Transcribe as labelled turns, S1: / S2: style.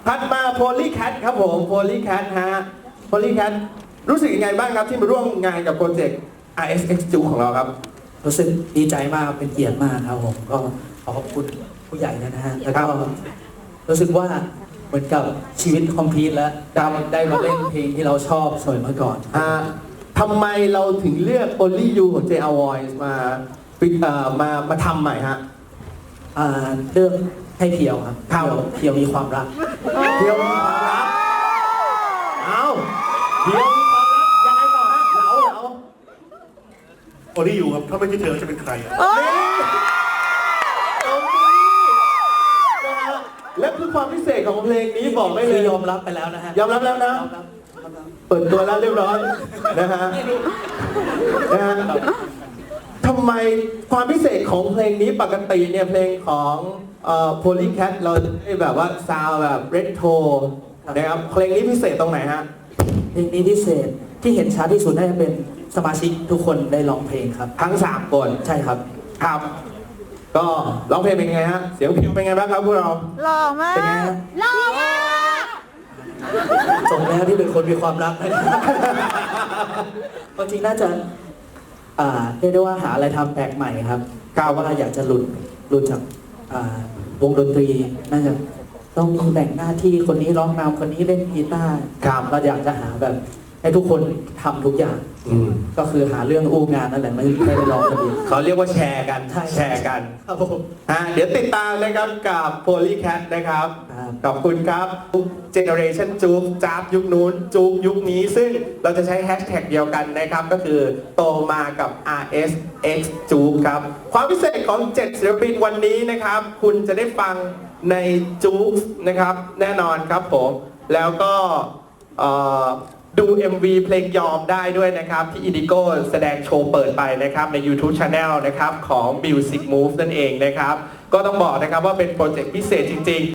S1: ถัดมาโพลีแคทครับผมโพลีแคทฮะโพลีแคทรู้สึกยังไงบ้างครับที่มาร่วมงานกับโปรเจกต์ RSX จูของเราครับ
S2: รู้สึกดีใจมากเป็นเกียรติมากครับผมก็ขอขอบคุณผู้ใหญ่นะฮะแล้วก็รู้สึกว่าเหมือนกับชีวิตคอมพลีทแล้วได้มาเล่นเพลงที่เราชอบสมัยเมื่อก่อน
S1: ทำไมเราถึงเลือก Only You ของ JR Voice มาทำใหม่ฮะ
S2: เลือกให้เพียวครับเพียวมีความรัก
S1: เพียวมีความรักเอาเพียวมีความรักยังไงต่อฮะเหลา
S3: โอลี่อยู่ครับถ้าไม่ใช่เธอจะเป็นใคร
S1: และคือความพิเศษของเพลงนี้บอกได้เลย
S2: ยอมรับไปแล้วนะฮะ
S1: ยอมรับแล้วนะเปิดตัวแล้วเรียบร้อยนะฮะทำไมความพิเศษของเพลงนี้ปกติเนี่ยเพลงของPolycat เราได้แบบว่าซาวแบบเรโทรนะครับเพลงนี้พิเศษตรงไหนฮะ
S2: เพลงนี้พิเศษที่เห็นชัดที่สุดน่าจะเป็นสมาชิกทุกคนได้ร้องเพลงครับ
S1: ทั้ง3คน
S2: ใช่ครับ
S1: ครับก็ร้องเพลงเป็นไงฮะเสียงพิวเป็นไงบ้างครับพวกเรา
S4: หล่อมากหล่อมาก
S2: สมแล้วที่เป็นคนมีความรักจริงน่าจะเรียกได้ว่าหาอะไรทำแปลกใหม่ครับว่าอยากจะหลุดจากวงดนตรีน่าจะต้องมีแบ่งหน้าที่คนนี้ร้องนำคนนี้เล่นกีตาร์เราอยากจะหาแบบให้ทุกคนทำทุกอย่างก็คือหาเรื่องอู้งานนั่นแหละไม่ได้ร้องกันดี
S1: เขาเรียกว่าแชร์กันแชร์กัน
S2: ครับผม
S1: เดี๋ยวติดตามนะครับกับ Polycat นะครับขอบคุณครับ Generation จู๊กจ๊าบยุคนู้นจู๊กยุคนี้ซึ่งเราจะใช้แฮชแท็กเดียวกันนะครับก็คือโตมากับ RSX จู๊กครับความพิเศษของ7ศิลปินวันนี้นะครับคุณจะได้ฟังในจู๊กนะครับแน่นอนครับผมแล้วก็ดู MV เพลงยอมได้ด้วยนะครับที่ Indigo แสดงโชว์เปิดไปนะครับใน YouTube Channel นะครับของ Music Move นั่นเองนะครับก็ต้องบอกนะครับว่าเป็นโปรเจกต์พิเศษจริงๆ